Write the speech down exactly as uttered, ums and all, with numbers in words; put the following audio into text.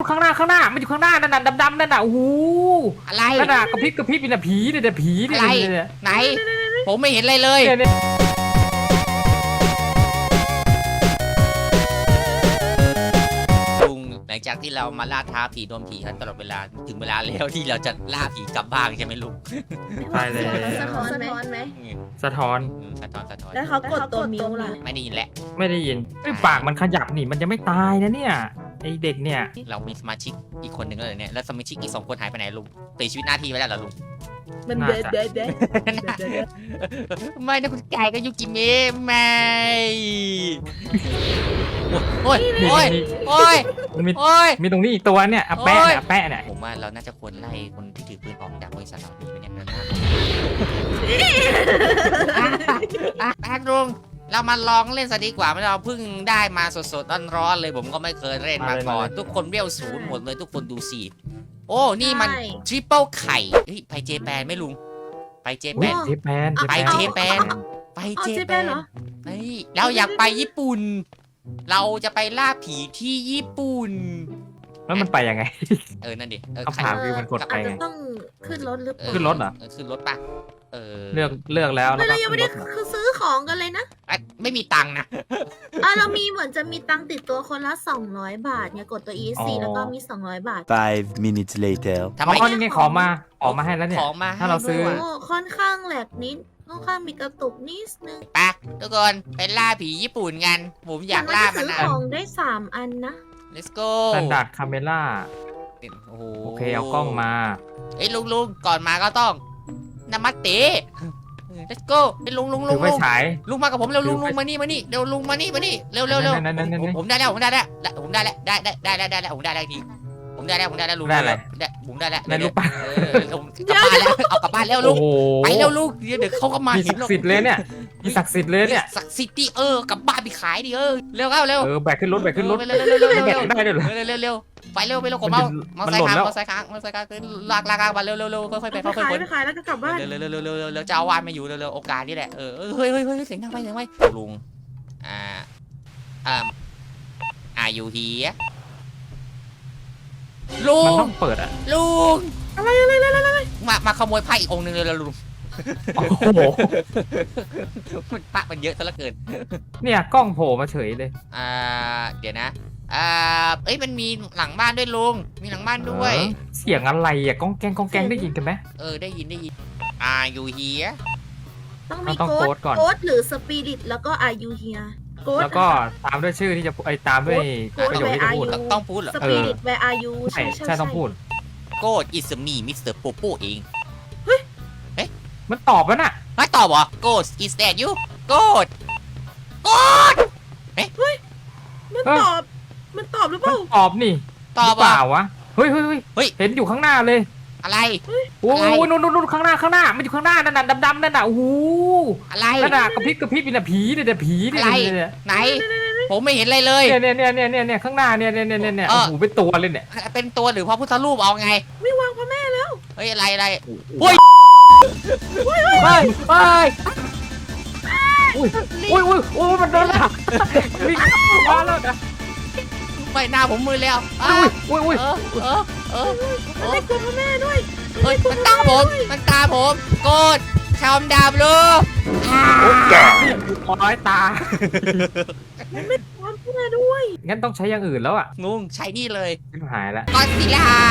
ข้างหน้าข้างหน้ามันอยู่ข้างหน้านั่นน่ะดำๆนั่นน่ะโอ้โหอะไรนั่นน่ะกระพริบกระพริบเป็นผีเนี่ยแต่ผีเนี่ยอะไรไหนผมไม่เห็นอะไรเลย ลุงหลังจากที่เรามาล่าท้าผีโดนผีกันตลอดเวลาถึงเวลาแล้วที่เราจะล่าผีกลับบ้านใช่ไหมลุงใช่เลยสะท้อนไหมสะท้อนอืมสะท้อนสะท้อนแล้วเขากดตัวมิวล่ะไม่ได้ยินแหละไม่ได้ยินไอ้ปากมันขยับนี่มันจะไม่ตายนะเนี่ยไอ้เด็กเนี่ยเรามีสมาชิกอีกคนหนึ่งแล้วเหรอเนี่ยแล้วสมาชิกอีกสองคนหายไปไหนลุงเสียชีวิตหน้าที่ไปแล้วเหรอลุงมันเด็ดเด็ดเด็ดไม่นะคุณไก่ก็ยุกิเมะไม่โอ้ยโอ้ยโอ้ยมันมีโอ้ยมีตรงนี้อีกตัวเนี่ยอะแปะเนี่ยอะแปะเนี่ยผมว่าเราน่าจะควรไล่คนที่ถือปืนออกจากบริษัทเราดีไหมเนี่ยแป๊บลุงเรามาลองเล่นซะดีกว่าเราเพิ่งได้มาสดๆร้อนๆเลยผมก็ไม่เคยเล่นมาก่อนทุกคนเวลศูนย์หมดเลยทุกคนดูสิโอ้นี่มันทริปเปิลไข่เฮ้ยไปเจแปนไหมลุงไปเจแปอุ๊ยนเจแปนไปเจแปน ไปเจแปนเฮ้ยเราอยากไปญี่ปุ่น เราจะไปล่าผีที่ญี่ปุ่นแล้วมันไปยังไงเออนั่นดิเออคำถามคือมันกดไปอาจจะไงต้องขึ้นรถหรือเปล่าขึ้นรถเหรอเออขึ้นรถปะเออเลือกเลือกแล้วแล้วเราก็ยังขึ้ไม่นรได้ถเหรอคือซื้อของกันเลยนะอ่ะไม่มีตังค์นะอ่ะเรามีเหมือนจะมีตังค์ติดตัวคนละสองร้อยบาทเนี่ยกดตัว อี เอส ซี แล้วก็มีสองร้อยบาท Five minutes later. ทำไมอ๋อนี่ไงขอมาขอมาให้แล้วเนี่ยของมาถ้าเราซื้อให้ด้วยโอ้ว่ะค่อนข้างแหลกนิดค่อนข้างมีกระตุกนิดนึงไปทุกคนไปล่าผีญี่ปุ่นกันผมอยากล่าแต่มันซื้อนะของได้สามอันนะ let's go สแตนดาร์ดคาเมล่าโอ้โหโอเคเอากล้องมาเอ้ยลุงลุงก่อนมาก็ต้องนามัตเต let's go ไอ้ยลุงลุงลุถืงอไฟลุงฉายลุงมากับผมเร็วลุงถือไฟลุงมานี่มานี่เร็วลุงมานี่มานี่เร็วเร็วเร็วนั่นนั่นนั่นนั่นผมผมได้แล้วผมได้แล้วได้ผมได้แล้วได้ได้ได้ได้ได้แล้วผมได้แล้วทีผมได้แล้วผมได้แล้วลุงได้อะไรได้ผมได้แล้วในลูกปั้นเออลุงกลับบ้านแล้วเอากลับบ้านแล้วลุโอ้งโหไปแล้วลุงเดี๋ยวเดี๋ยวเขาก็มามีเห็ศันกดิ์สิทธิ์เลยเนี่ยมีศักดิ์สิทธิ์เลยเนี่ยศักดิ์สิทธิ์ดิเออกลับบ้านไปขายดิเออเร็วเข้าเร็วเออแบกขึ้นรถแบกขึ้นรถเร็วเร็วเร็วเร็วแบเร็กวได้ด้วยเหรอเร็วเร็วเร็วไปเร็วไปเร็วผมมันเอาจะมอมันไซหล่ค์นค้างแล้วมอไซค์ค้างมอไซค์ค้างขึ้นลากลากลากมาเร็วเร็วเร็วค่อยๆไปไปค่อยขายๆคนไปขายแล้วก็กลับบ้านเร็วเร็วเร็วเร็วเร็วเร็วจะเอาวานมาอยู่เร็วเร็วโอกาสนี่แหละเออเฮ้ยเฮ้ยเฮ้ยเสียงดังไปเสียงไปลุงอ่าอ่าอายุเฮียลุมันงต้องเปิดอ่ะลุงอะไรอะไรอะไรมามาขโมยไพ่อีกองค์หนึ่งเลยลุงโอ้โหมันปะมันเยอะซะเหลือเกินเนี่ยกล้องโผล่มาเฉยเลยอ่าเดี๋ยวนะอ่าเอ้ยมันมีหลังบ้านด้วยลุงมีหลังบ้านด้วยเออเสียงอะไรอ่ะก้องแกงก้องแกงได้ยินกันไหมเออได้ยินได้ยินอายูเฮียต้องมีต้องโค้โค้ดดก่อนโค้ดหรือสปิริตแล้วก็อายุเฮียโค้ดแล้วก็ตามด้วยชื่อที่จะไอ้ยตามด้วยโค้ดประโยคที่จะพูดไปอะต้องพูดเหรอสปิริตแวร์อายุใช่ใช่ต้องพูดโกดอิสมีมิสเตอร์โปโปเองมันตอบแล้วน่ะไม่ตอบเหรอโกดอิสแตดยูโกดโกดมันตอบ มันตอบหรือเปมันล่าตอบนี่ตอบหรืเปอ่ะล่าวะเฮ้ยเฮ้ยเฮ้ยเฮ้ยเห็นอยู่ข้างหน้าเลยอะไรโอ้อะไรโหนู่นนู่นนู่นข้างหน้าข้างหน้ามันอยู่ข้างหน้านั่นน่ะดำๆนั่นน่ะโอ้โหอะไรนั่นน่ะกระพริบกระพริบเป็นน่ะผีเนี่ยแต่ผีเนี่ยอะไรเนี่ยไหน ผมไม่เห็นอะไรเลยเนี่ยเนี่ยเนี่ยเนี่ยเนี่ยข้างหน้าเนี่ยเนี่ยเนี่ยเนี่ยเอโอ้อโหเป็นตัวเลยเนี่ยเป็นตัวหรือพระพุทธรูปเอาไงไม่วางพ่อแม่แล้วเฮ้ยอะไรอะไรเฮ้ยเฮ้ยเฮ้ยอุ้ยอุ้ยอุ้ยอุ้ยมันเดินละวิ่งมาแล้วนะไม่หน้าผมมือแล้วอ้าอุ้ยอุ้ยอุ้ยเออเออเออมันไม่กลัวพ่อแม่ด้วยเฮ้ยมันตามผมมันตามผมโกดชอมดาบลูอ่าร้อยตามันไม่กลัวพ่อแม่ด้วยงั้นต้องใช้อย่างอื่นแล้วอ่ะงงใช้นี่เลยชิบหายแล้วก็อดซิลล่า